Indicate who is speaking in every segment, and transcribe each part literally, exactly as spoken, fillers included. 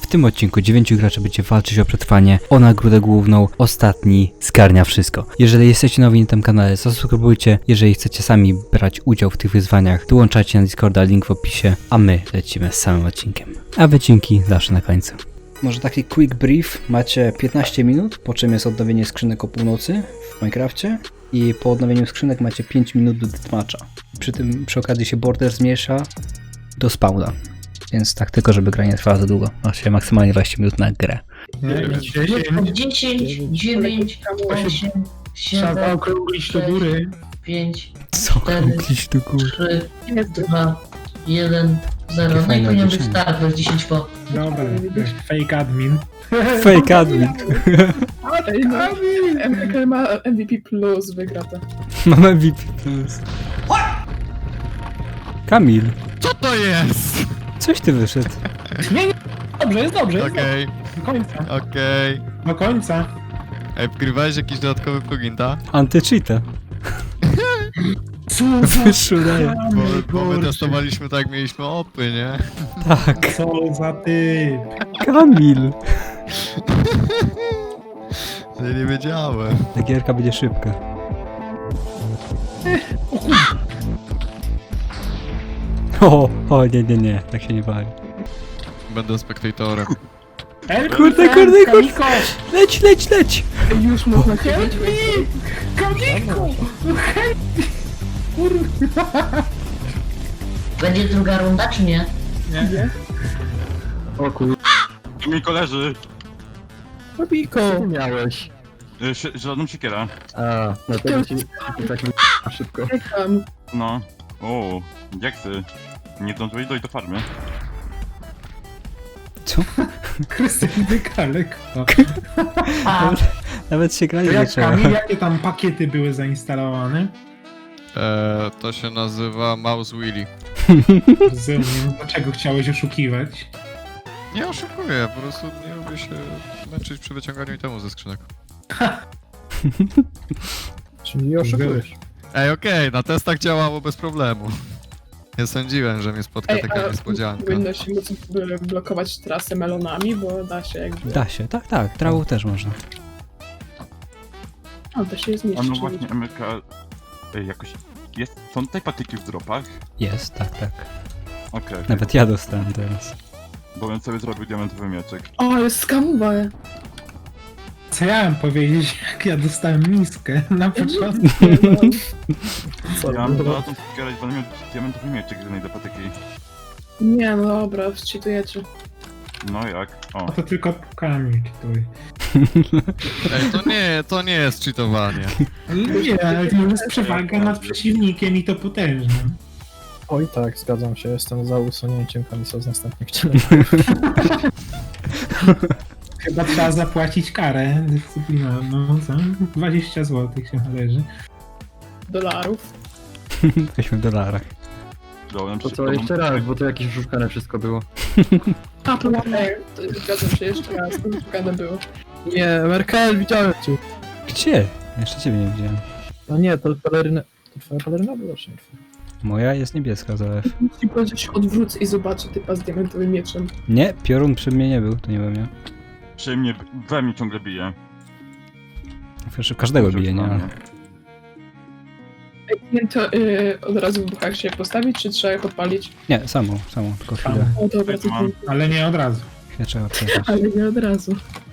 Speaker 1: W tym odcinku dziewięciu graczy będzie walczyć o przetrwanie, o nagrodę główną, ostatni zgarnia wszystko. Jeżeli jesteście nowi na tym kanale, zasubskrybujcie. Jeżeli chcecie sami brać udział w tych wyzwaniach, dołączajcie na Discorda, link w opisie, a my lecimy z samym odcinkiem. A wycinki zawsze na końcu. Może taki quick brief, macie piętnaście minut, po czym jest odnowienie skrzynek o północy w Minecrafcie i po odnowieniu skrzynek macie pięć minut do deathmatcha. Przy tym przy okazji się border zmniejsza do spawna, więc tak tylko, żeby gra nie trwała za długo. Macie maksymalnie dwadzieścia minut na grę.
Speaker 2: dziesięć, dziewięć, osiem,
Speaker 3: Trzeba
Speaker 2: siedem,
Speaker 3: okrąglić do góry.
Speaker 2: pięć,
Speaker 1: Co
Speaker 2: cztery,
Speaker 1: kupić do góry?
Speaker 2: trzy, dwa, jeden, zero. No i
Speaker 1: fajne
Speaker 2: powinien być
Speaker 1: odliczenie.
Speaker 2: start, bez dziesięć po.
Speaker 3: Dobra, fake admin.
Speaker 1: Fake admin.
Speaker 3: Admin!
Speaker 4: M K ma M V P plus, wygra to.
Speaker 1: Mamy V P plus. Kamil,
Speaker 5: Co to jest?
Speaker 1: coś ty wyszedł.
Speaker 3: Nie, nie, dobrze, jest dobrze, jest
Speaker 5: Okej,
Speaker 3: dobrze. Do końca,
Speaker 5: okej.
Speaker 3: do końca.
Speaker 5: Ej, wgrywałeś jakiś dodatkowy plugin, tak?
Speaker 1: Anty-cheata.
Speaker 3: Co
Speaker 1: Wyszło, daję.
Speaker 5: Bo, bo my testowaliśmy tak, jak mieliśmy opy, nie?
Speaker 1: Tak.
Speaker 3: Co za typ.
Speaker 1: Kamil.
Speaker 5: Ja nie wiedziałem.
Speaker 1: Ta gierka będzie szybka. O, o, nie, nie, nie, tak się nie bawi.
Speaker 5: Będę spektatorem.
Speaker 3: Help
Speaker 1: Kurde,
Speaker 3: me,
Speaker 1: kurde, kurde.
Speaker 3: Kamiko!
Speaker 1: Leć, leć, leć!
Speaker 4: Już można się
Speaker 3: Help me! Kamiko! Help me! Kurwa!
Speaker 2: Będzie druga runda, czy nie?
Speaker 3: Nie.
Speaker 6: O kur...
Speaker 7: Mi koleży,
Speaker 4: Robiko!
Speaker 6: Co ty miałeś?
Speaker 7: y, szy- żeladą siekierę.
Speaker 6: A, dlatego ci tak szybko.
Speaker 4: Czekam.
Speaker 7: No. O, jaksy. Nie zdążyłeś dojść do farmy.
Speaker 1: Co?
Speaker 3: Krysty, wyka lekko.
Speaker 2: A,
Speaker 1: Nawet się grali
Speaker 3: To
Speaker 1: nie
Speaker 3: jak,
Speaker 1: trzeba.
Speaker 3: Kamil, jakie tam pakiety były zainstalowane?
Speaker 5: Eee, to się nazywa Mouse Willy.
Speaker 3: Rozumiem, dlaczego chciałeś oszukiwać?
Speaker 5: Nie oszukuję, po prostu nie lubię się męczyć przy wyciąganiu itemu ze skrzynek.
Speaker 6: Czyli nie oszukujesz.
Speaker 5: Ej, okej, na testach działało bez problemu. Nie sądziłem, że mnie spotka
Speaker 4: Ej,
Speaker 5: taka
Speaker 4: a
Speaker 5: niespodzianka.
Speaker 4: powinno się móc b- blokować trasę melonami, bo da się jakby...
Speaker 1: Da się, tak, tak, trawą też można.
Speaker 4: A, da się je
Speaker 7: A
Speaker 4: zmieścić.
Speaker 7: no właśnie, M K... y, jakoś... Jest... Są tutaj patyki w dropach?
Speaker 1: Jest, tak, tak.
Speaker 7: Okej,
Speaker 1: Nawet ja dostałem teraz.
Speaker 7: bo bym sobie zrobił diamentowy mieczek.
Speaker 4: O, jest skamowa!
Speaker 3: Co ja mam powiedzieć, jak ja dostałem miskę na początku?
Speaker 6: Co?
Speaker 7: Ja mam żelazną siekierę i będę miał diamentowy mieczek z jednej do patyki.
Speaker 4: Nie, no dobra, wczytujecie.
Speaker 7: No jak? O.
Speaker 3: A to tylko Kamil czytuj.
Speaker 5: Ej, to nie, to nie jest cheatowanie.
Speaker 3: Nie, ale to jest przewaga nad przeciwnikiem i to potężnym.
Speaker 6: Oj tak, zgadzam się, jestem za usunięciem Kamisa z następnych czynów.
Speaker 3: Chyba trzeba zapłacić karę dyscyplinarną, co? dwadzieścia złotych się należy.
Speaker 4: Dolarów.
Speaker 1: Jesteśmy w dolarach.
Speaker 7: Dałem
Speaker 6: To
Speaker 7: szybko,
Speaker 6: co,
Speaker 7: mam-
Speaker 6: jeszcze raz, bo to jakieś oszukane wszystko było.
Speaker 4: A, to ej, to zgadzam się jeszcze raz, to wyszukane było.
Speaker 6: Nie, Merkel, widziałem cię.
Speaker 1: Gdzie? Jeszcze ciebie nie widziałem.
Speaker 6: No nie, to peleryna... To twoja peleryna była, czy nie twoja?
Speaker 1: Moja jest niebieska, zalew.
Speaker 4: Musi powiedzieć, się odwrócę i zobaczę typa z diamentowym mieczem.
Speaker 1: Nie, piorun przy mnie nie był, to nie we mnie.
Speaker 7: Przy mnie, we mnie ciągle bije.
Speaker 1: Przecież każdego bije, nie? Ale...
Speaker 4: Ej, nie, to yy, od razu w buchach się postawić, czy trzeba ich odpalić?
Speaker 1: Nie, samą, samą, tylko chwilę.
Speaker 3: Tam,
Speaker 4: O, dobra, to
Speaker 7: Mam.
Speaker 3: ale nie od razu.
Speaker 1: Chwilę trzeba przejść.
Speaker 4: ale nie od razu.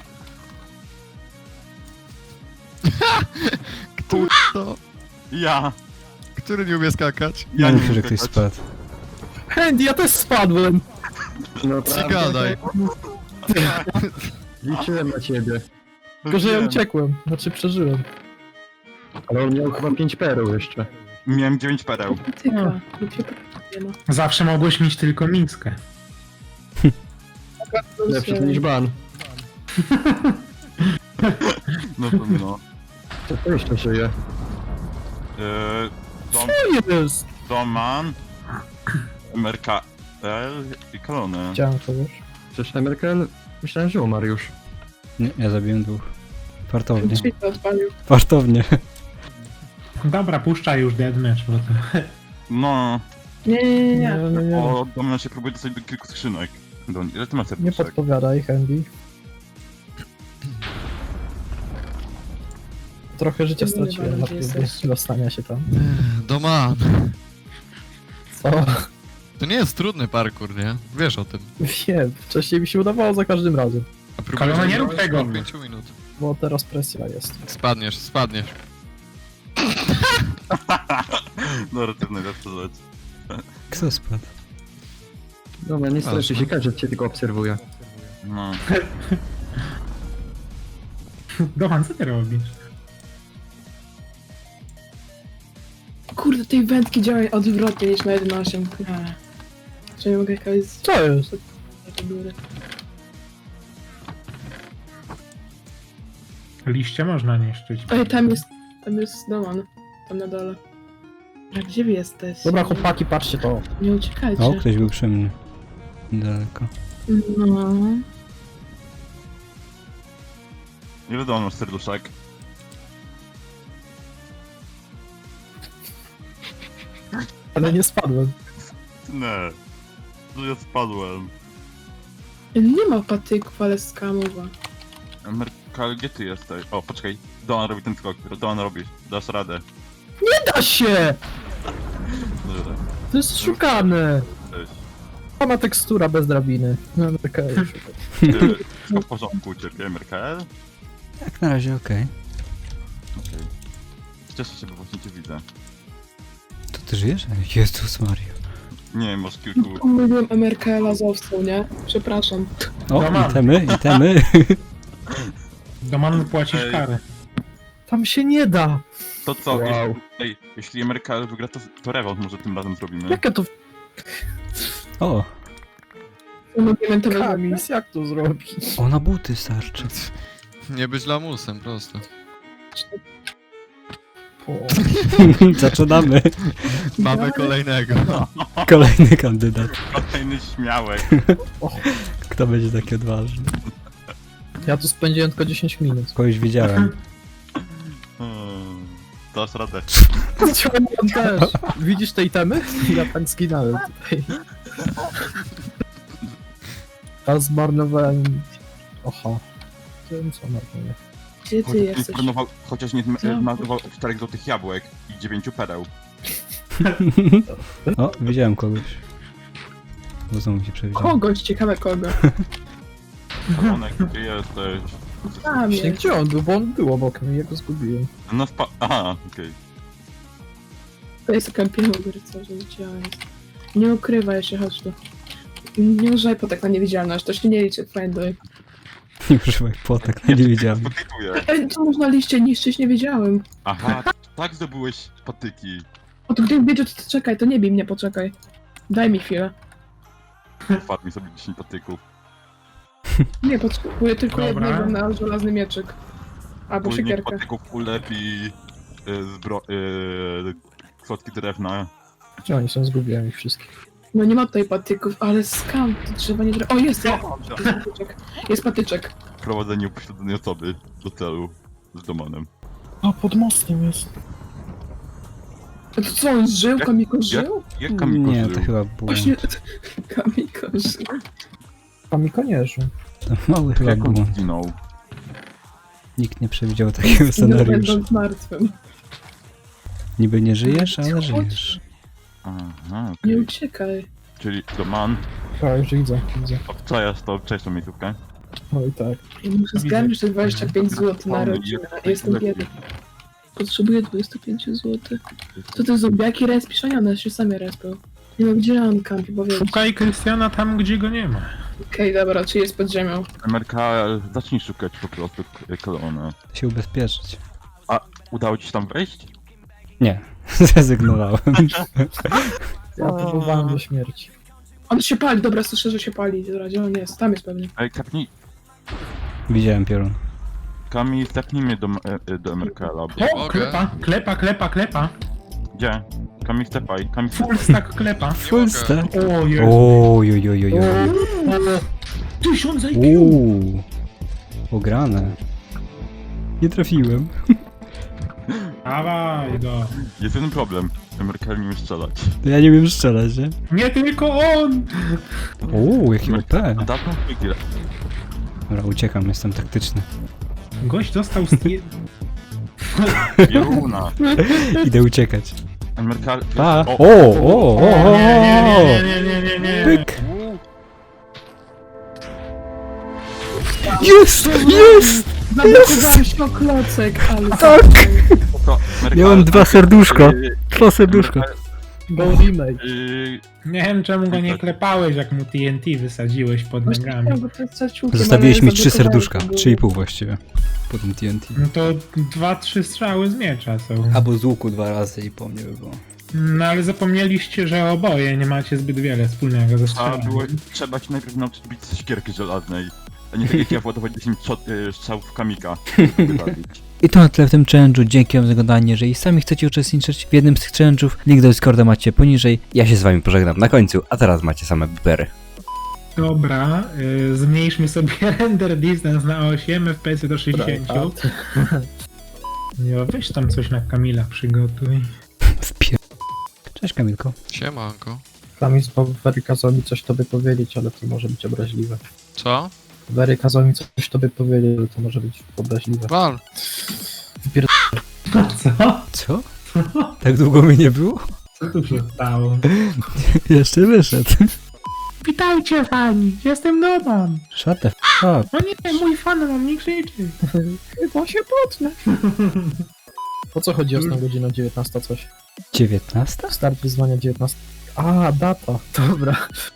Speaker 5: To,
Speaker 7: Ja!
Speaker 5: który nie umie skakać?
Speaker 1: Ja
Speaker 7: Ja
Speaker 1: nie
Speaker 7: nie
Speaker 1: wiem, że
Speaker 7: umiem
Speaker 1: ktoś
Speaker 7: skakać.
Speaker 1: spadł.
Speaker 6: Handy, ja też spadłem! No
Speaker 5: Ci gadaj.
Speaker 6: Liczyłem na ciebie. Tylko, że ja
Speaker 7: Wiem.
Speaker 6: uciekłem, znaczy przeżyłem. Ale on miał chyba pięć pereł jeszcze.
Speaker 7: Miałem dziewięć pereł.
Speaker 4: Tyka, lub się nie ma.
Speaker 3: Zawsze mogłeś mieć tylko miskę.
Speaker 6: Lepszy niż ban.
Speaker 7: No to no.
Speaker 6: To to jeszcze żyje.
Speaker 7: Yy, dom,
Speaker 6: Co jest?
Speaker 7: Doman, M R K L i kolony.
Speaker 6: Chciałem to, wiesz? Przecież Merkel... Myślałem, że umarł już.
Speaker 1: Nie, ja zabiłem dwóch. Fartownie.
Speaker 4: Drzwi to odpalił.
Speaker 1: Fartownie.
Speaker 3: Dobra, puszczaj już deathmatch, bo to...
Speaker 7: No,
Speaker 4: Nie, nie, nie, nie.
Speaker 6: nie, nie.
Speaker 7: o, Doman się próbuje dostać do kilku skrzynek. Don, ile ty masz
Speaker 8: Nie
Speaker 7: serduszek?
Speaker 8: podpowiadaj, Handy. Trochę życia
Speaker 4: Nie
Speaker 8: straciłem
Speaker 4: wiem,
Speaker 8: na
Speaker 4: gdzie
Speaker 8: próbie
Speaker 4: jesteś.
Speaker 8: dostania się tam.
Speaker 5: Doman.
Speaker 8: Co?
Speaker 5: To nie jest trudny parkour, nie? Wiesz o tym.
Speaker 8: Wiem, wcześniej mi się udawało za każdym razem.
Speaker 5: A próbujesz
Speaker 3: Kalona, nie rób
Speaker 5: zrobić
Speaker 3: tego.
Speaker 5: od pięciu minut.
Speaker 8: Bo teraz presja jest.
Speaker 5: Spadniesz, spadniesz.
Speaker 7: Dobra, to najlepsza rzecz.
Speaker 1: Kto spadł?
Speaker 6: Dobra, nie stresuj się, każdy cię tylko obserwuje.
Speaker 7: No.
Speaker 3: Dohan, co ty robisz?
Speaker 4: Kurde, tej wędki działają odwrotnie niż na jeden osiem. Nie. Czy nie mogę jakaś z...
Speaker 8: Co jest?
Speaker 4: do góry?
Speaker 3: Liście można niszczyć.
Speaker 4: Ej, tam jest... Tam jest Doman. Tam na dole. A gdzie wy jesteś?
Speaker 8: Dobra, chłopaki, patrzcie to.
Speaker 4: Nie uciekajcie.
Speaker 1: O, ktoś był przy mnie. Daleko.
Speaker 4: No.
Speaker 7: Ile Don masz serduszek?
Speaker 8: Ale nie spadłem.
Speaker 7: Nie. To ja spadłem.
Speaker 4: Nie ma patyków, ale skamowa.
Speaker 7: Merkal, gdzie ty jesteś? O, poczekaj. Don robi ten skok. Don robi. Dasz radę.
Speaker 8: Nie da się!
Speaker 7: Dobra.
Speaker 8: To jest szukane.
Speaker 7: Cześć.
Speaker 8: Sama tekstura bez drabiny. No, taka już.
Speaker 7: Ty, wszystko w porządku u ciebie, Merkel?
Speaker 1: Jak na razie okej.
Speaker 7: Okej. Cieszę się, bo właśnie cię widzę.
Speaker 1: To ty żyjesz? Jezus Maria.
Speaker 7: Nie, masz kilku...
Speaker 4: Pomyliłem M R K L z owcą, nie? Przepraszam.
Speaker 1: O,
Speaker 3: Doman.
Speaker 1: itemy, itemy.
Speaker 3: Doman płacisz
Speaker 7: Ej.
Speaker 3: karę.
Speaker 8: Tam się nie da.
Speaker 7: To co?
Speaker 6: Wow.
Speaker 7: Jeśli, ej, jeśli Merkel wygra, to, to rewolt może tym razem zrobimy.
Speaker 8: Jakie to
Speaker 1: O,
Speaker 4: Momentowe
Speaker 8: kamis? Jak to zrobić?
Speaker 1: o na buty starczy.
Speaker 5: Nie być lamusem, prosto.
Speaker 8: O.
Speaker 1: Zaczynamy.
Speaker 5: Mamy kolejnego.
Speaker 1: Kolejny kandydat.
Speaker 7: Kolejny śmiałek.
Speaker 1: Kto będzie taki odważny?
Speaker 8: Ja tu spędziłem tylko dziesięć minut.
Speaker 1: Kogoś widziałem.
Speaker 7: Hmm, dasz radę.
Speaker 8: On też. Widzisz te itemy? Ja tak zginąłem tutaj. Ja zmarnowałem... Oha. Wiem co marnuję.
Speaker 4: Gdzie ty
Speaker 7: Chociaż nie
Speaker 4: jesteś?
Speaker 7: zmarnował, chociaż nie
Speaker 4: Co?
Speaker 7: zmarnował czterech złotych jabłek i dziewięciu pereł.
Speaker 1: O, widziałem kogoś. Bo znowu się przewidziałem.
Speaker 4: Kogoś, ciekawe kogo.
Speaker 7: Kolonek, gdzie jesteś?
Speaker 4: Tam
Speaker 8: Właśnie
Speaker 4: jest.
Speaker 8: gdzie on był? Bo on był obok mnie, ja go zgubiłem.
Speaker 7: No spa... Aha, okej.
Speaker 4: To jest kąpiel gry, co że widziałem. Nie ukrywaj się, chodź tu. Nie używaj potek na niewidzialność, to się nie liczy, friendly.
Speaker 1: Nie używaj potek, no nie widziałem.
Speaker 7: Spotykuję.
Speaker 4: Ej, co można liście niszczyć, nie wiedziałem.
Speaker 7: Aha, tak zdobyłeś patyki.
Speaker 4: O, to gdybym wiedział, to czekaj, to nie bij mnie, poczekaj. Daj mi chwilę.
Speaker 7: Wpadł mi sobie dziesięć patyków.
Speaker 4: Nie, potrzebuję tylko
Speaker 3: Dobra.
Speaker 4: jednego na żelazny mieczyk. Albo
Speaker 7: Płynie
Speaker 4: siekierkę.
Speaker 7: patyków ulepi y, zbro... Y, kłodki drewna.
Speaker 8: Gdzie oni są? Zgubiłem ich wszystkich.
Speaker 4: No nie ma tutaj patyków, ale skam, to drzewa nie... dre- O, jest, jest patyczek. Jest patyczek.
Speaker 7: Prowadzenie upośledzonej osoby do celu z domanem.
Speaker 8: A, pod mostem jest.
Speaker 4: A to co, on żył?
Speaker 7: Jak-
Speaker 4: Kamiko żył?
Speaker 7: Jak Kamiko
Speaker 1: Nie,
Speaker 7: żył?
Speaker 1: to chyba błąd.
Speaker 4: Właśnie, Kamiko żył.
Speaker 8: Kamiko nie żył.
Speaker 1: To mały chyba
Speaker 7: Jak on
Speaker 1: błąd.
Speaker 7: zginął?
Speaker 1: Nikt nie przewidział takiego
Speaker 4: Nie
Speaker 1: scenariusza.
Speaker 4: będąc martwym.
Speaker 1: Niby nie żyjesz, ale żyjesz.
Speaker 7: Aha,
Speaker 4: Nie
Speaker 7: okej.
Speaker 4: uciekaj.
Speaker 7: Czyli doman.
Speaker 8: A, już widzę, widzę.
Speaker 7: O, co jest to? Cześć, tą miejscówkę.
Speaker 8: No i tak.
Speaker 4: Ja muszę zgarnąć te dwadzieścia pięć złotych na rodzinę. Jestem biedny. Potrzebuję dwadzieścia pięć złotych. Co to zombiaki respiszanione, się sami respią. Nie ma gdzie on kampi, powiedz.
Speaker 3: Szukaj Krystiana tam, gdzie go nie ma.
Speaker 4: Okej, dobra, czy jest pod ziemią?
Speaker 7: M R K, zacznij szukać po prostu k- kolonę.
Speaker 1: Się ubezpieczyć.
Speaker 7: Udało ci się tam wejść?
Speaker 1: Nie, zrezygnowałem.
Speaker 8: Ja próbowałem do śmierci.
Speaker 4: On się pali, dobra, słyszę, że się pali. Dobra, gdzie on jest? Tam jest pewnie.
Speaker 7: Ej, kapnij...
Speaker 1: Widziałem piorun.
Speaker 7: Kami, zapnij mnie do, e, e, do M R K, bo...
Speaker 3: O,
Speaker 5: Mogę?
Speaker 3: klepa, klepa, klepa, klepa.
Speaker 7: Gdzie? Kami, stepaj, Kami,
Speaker 3: Full stack klepa.
Speaker 1: Full stack.
Speaker 3: O, jest.
Speaker 1: Oj, oj, oj, oj, oj.
Speaker 3: Tysiąc I Q.
Speaker 1: Uuu. Ograne. Nie trafiłem.
Speaker 3: Dawaj go.
Speaker 7: Jest jeden problem. Merkel nie umie strzelać.
Speaker 1: Ja nie wiem strzelać, nie?
Speaker 3: Nie tylko on!
Speaker 1: Uuu, jaki O P.
Speaker 7: Dawno wygra.
Speaker 1: Dobra, uciekam, jestem taktyczny.
Speaker 3: Gość dostał z...
Speaker 7: Juna.
Speaker 1: Idę uciekać.
Speaker 7: Merkel...
Speaker 1: Pa!
Speaker 7: O!
Speaker 1: O, o, o, o,
Speaker 3: Nie, nie,
Speaker 1: o,
Speaker 3: nie, nie, nie, nie, nie.
Speaker 1: Pyk! Jest! Jest!
Speaker 4: Zablokowałem się o klocek, ale...
Speaker 1: Tak!
Speaker 7: To Merkel-
Speaker 1: Miałem dwa serduszka.
Speaker 7: Yy,
Speaker 1: Dwa serduszka.
Speaker 8: Go remake.
Speaker 7: yy,
Speaker 3: Nie wiem czemu go nie klepałeś, jak mu T N T wysadziłeś pod
Speaker 4: Właśnie
Speaker 3: nogami.
Speaker 4: chciałem go przestać łukiem,
Speaker 1: Zostawiłeś
Speaker 4: ale
Speaker 1: mi trzy
Speaker 4: zablokowałem
Speaker 1: serduszka.
Speaker 4: go.
Speaker 1: Trzy i pół właściwie. Po tym T N T.
Speaker 3: No to dwa, trzy strzały z miecza są.
Speaker 1: Albo z łuku dwa razy i po mnie by było.
Speaker 3: No ale zapomnieliście, że oboje nie macie zbyt wiele wspólnego ze
Speaker 7: trzeba
Speaker 3: strzelaniem.
Speaker 7: było... Trzeba się najpierw nauczyć bić z siekierki żelaznej. A nie tak jak ja władować dziesięć shot- yy, strzałów w kamika. żeby zabić.
Speaker 1: I to na tyle w tym challenge'u. Dzięki wam za oglądanie. Jeżeli sami chcecie uczestniczyć w jednym z tych challenge'ów, link do Discorda macie poniżej. Ja się z wami pożegnam na końcu, a teraz macie same bibery.
Speaker 3: Dobra, y, zmniejszmy sobie render distance na osiem, F P S do sześćdziesiąt. Jo, weź tam coś na Kamila przygotuj.
Speaker 1: Wpier... Cześć Kamilko.
Speaker 5: Siemanko.
Speaker 8: Tam Wery kazał mi coś tobie powiedzieć, ale to może być obraźliwe.
Speaker 5: Co?
Speaker 8: Wery kazał mi coś tobie powiedzieć, ale to może być obraźliwe.
Speaker 5: Wal.
Speaker 3: Co?
Speaker 1: Co? Tak długo mi nie było?
Speaker 3: Co tu się stało?
Speaker 1: Jeszcze wyszedł.
Speaker 3: Witajcie fani, jestem Doman.
Speaker 1: Shut the f up.
Speaker 3: O nie, mój fan na mnie krzyczy.
Speaker 8: Chyba się potnę. Po co chodzi jasna godzina dziewiętnasta coś?
Speaker 1: dziewiętnasta?
Speaker 8: Start wyzwania dziewiętnasta. A, data. Dobra.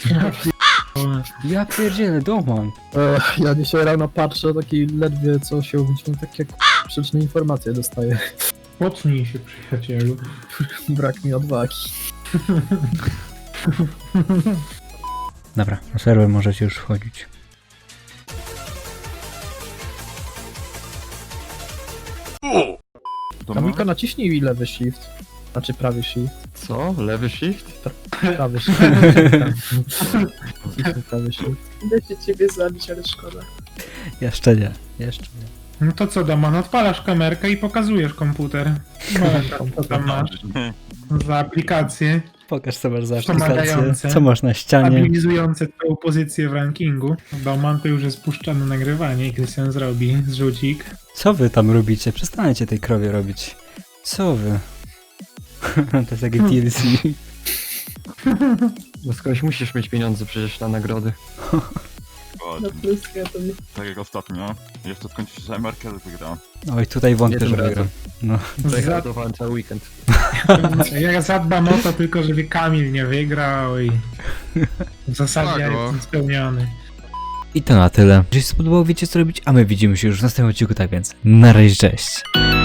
Speaker 1: Ja pierdzielę, Doman.
Speaker 8: E, ja dzisiaj rano patrzę, taki ledwie co się obudziłem, takie k- sprzeczne informacje dostaję.
Speaker 3: Pocznij się, przyjacielu.
Speaker 8: Brak mi odwagi.
Speaker 1: Dobra, na serwer możecie już wchodzić.
Speaker 7: To
Speaker 8: Kamilko, naciśnij lewy shift. Znaczy prawy shift.
Speaker 6: Co? Lewy shift?
Speaker 8: Prawy shift. Naciśnij prawy shift.
Speaker 4: Idę się ciebie zabić, ale szkoda.
Speaker 1: Jeszcze nie, jeszcze nie.
Speaker 3: No to co, Doman, odpalasz kamerkę i pokazujesz komputer. No, co tam masz za aplikacje
Speaker 1: Pokaż co masz za aplikację,
Speaker 3: Pomagające.
Speaker 1: co masz na ścianie.
Speaker 3: stabilizujące twoją pozycję w rankingu. Doman to już jest puszczane nagrywanie i Krystian zrobi zrzucik.
Speaker 1: Co wy tam robicie? Przestańcie tej krowie robić. Co wy? To jest takie T L C.
Speaker 6: No skądś musisz mieć pieniądze przecież na nagrody.
Speaker 7: Dokładnie.
Speaker 4: Na pluska to nie.
Speaker 7: Tak jak ostatnio. Jeszcze skończy się, że Merkel wygra.
Speaker 1: Oj, tutaj wątpię,
Speaker 6: Nie tym
Speaker 1: że wygram.
Speaker 6: razem.
Speaker 1: No.
Speaker 6: Zagradowałem cały weekend.
Speaker 3: Ja zadbam o to tylko, żeby Kamil nie wygrał i w zasadzie ja
Speaker 5: Tak, o.
Speaker 3: jestem spełniony.
Speaker 1: I to na tyle. Jeżeli się spodobało, wiecie co robić, a my widzimy się już w następnym odcinku, tak więc na razie, cześć.